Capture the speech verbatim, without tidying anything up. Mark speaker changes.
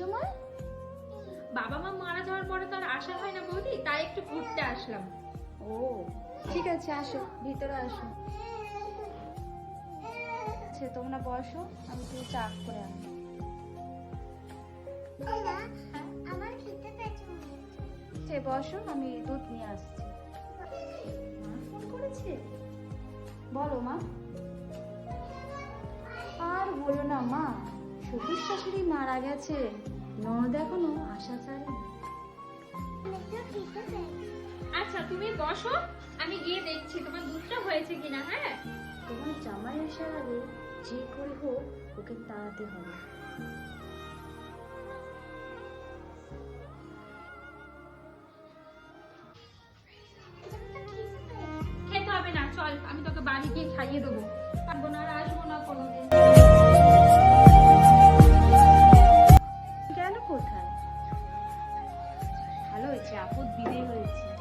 Speaker 1: সময়?
Speaker 2: বাবা মা মারা যাওয়ার পরে তো আর আসা হয় না বৌদি, তাই একটু ঘুরতে আসলাম।
Speaker 1: ও ঠিক আছে, আসো ভিতরে আসো। আচ্ছা তোমরা বসো, আমি একটু চা করে আনি।
Speaker 3: আমার খেতে পেয়েছে।
Speaker 1: সে বসো, আমি দুধ নিয়ে আসছি। মা ফোন করেছে? বলো মা। আর বলো না মা, শ্বশুর শাশুড়ি মারা গেছে, ননদ এখনো আশা ছাড়েনি।
Speaker 2: আচ্ছা তুমি বসো, আমি গিয়ে দেখছি তোমার দুধটা হয়েছে কিনা। হ্যাঁ,
Speaker 1: তোমার জামাই আসার আগে যে করে হোক ওকে তাড়াতে হবে।
Speaker 2: খেতে হবে না, চল আমি তোকে বাড়ি গিয়ে খাইয়ে দেবো। পারবো না, আর আসবো না কোনোদিন।
Speaker 1: গেল কোথায়? ভালো হয়েছে, আপদ বিদায় হয়েছে।